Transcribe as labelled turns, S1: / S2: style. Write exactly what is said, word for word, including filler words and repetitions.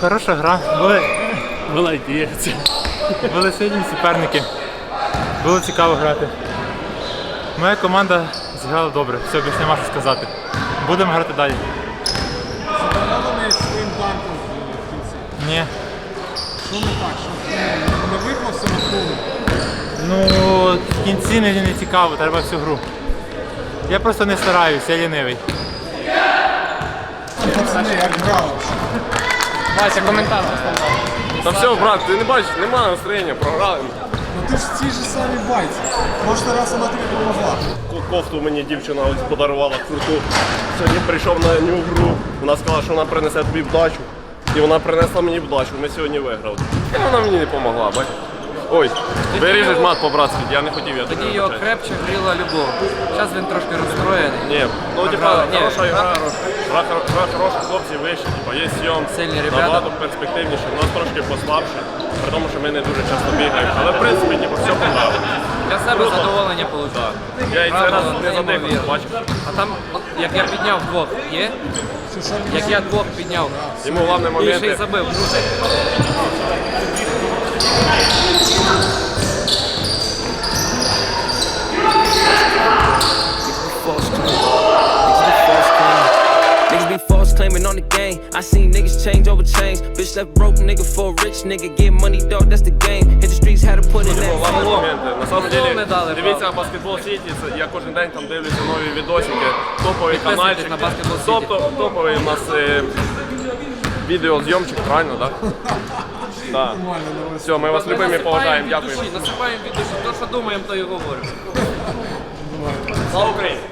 S1: Хороша гра. Були,
S2: Молодець.
S1: були сильні суперники. Було цікаво грати. Моя команда зіграла добре, все, більше нема що сказати. Будемо грати далі.
S3: Задоволений своїм танком в кінці?
S1: Ні.
S3: Що не так? Що не виклався на кругу?
S1: Ну, в кінці не, не цікаво, треба всю гру. Я просто не стараюся, я лінивий.
S3: Пацани, як грали?
S4: Вася, коментар.
S5: Та все, брат, ти не бачиш, немає настроєння, програли.
S3: Ну ти ж в цій же самій байці. Прошлий раз вона тобі допомогла.
S5: Кофту мені дівчина ось подарувала круту. Сьогодні прийшов на ню гру, вона сказала, що вона принесе тобі вдачу. І вона принесла мені вдачу, ми сьогодні виграли. І вона мені не допомогла, бачиш? Ой, виріжеш мат по-братськи, я не хотів, я
S4: Тоді його крепче гріла любов. Зараз він трошки розстроєний.
S5: Ні, ну типа,
S4: Програли. Ні,
S5: хороша
S4: гра
S5: гра, гра, гра хороша, хлопці вищі, типа, є сйом,
S4: Сильні ребята.
S5: набагато перспективніше, у нас трошки послабше, при тому, що ми не дуже часто бігаємо. Але в принципі, типу, все понравилось.
S4: Для себе задоволення отримав.
S5: Я і це раз не задихав,
S4: неймовірно.
S5: бачиш?
S4: А там, от, як я підняв двох, є? Як я двох підняв.
S5: Йому головне
S4: І ще й
S5: моменти.
S4: забив.
S6: Niggas be false claiming on the game. I seen niggas change over change. Bitch left broke nigga for a rich nigga. Get money, dog, that's the game. Hit the streets, had to put in that
S5: Головне
S6: fame.
S5: моменти. На самом
S4: Футбол не
S5: деле,
S4: дали,
S5: дивіться
S4: правда.
S5: Баскетбол Сіті, це я кожен день там дивлюся нові відосики, топовий
S4: Підписуйтесь
S5: канальчик.
S4: на Basketball City.
S5: Тобто топовий у нас е, відеозйомчик, правильно, так? Так. Все, ми вас любимо і поважаємо, дякуємо.
S4: Насипаємо від душі. То, що думаємо, то і говоримо.
S5: Слава Україні!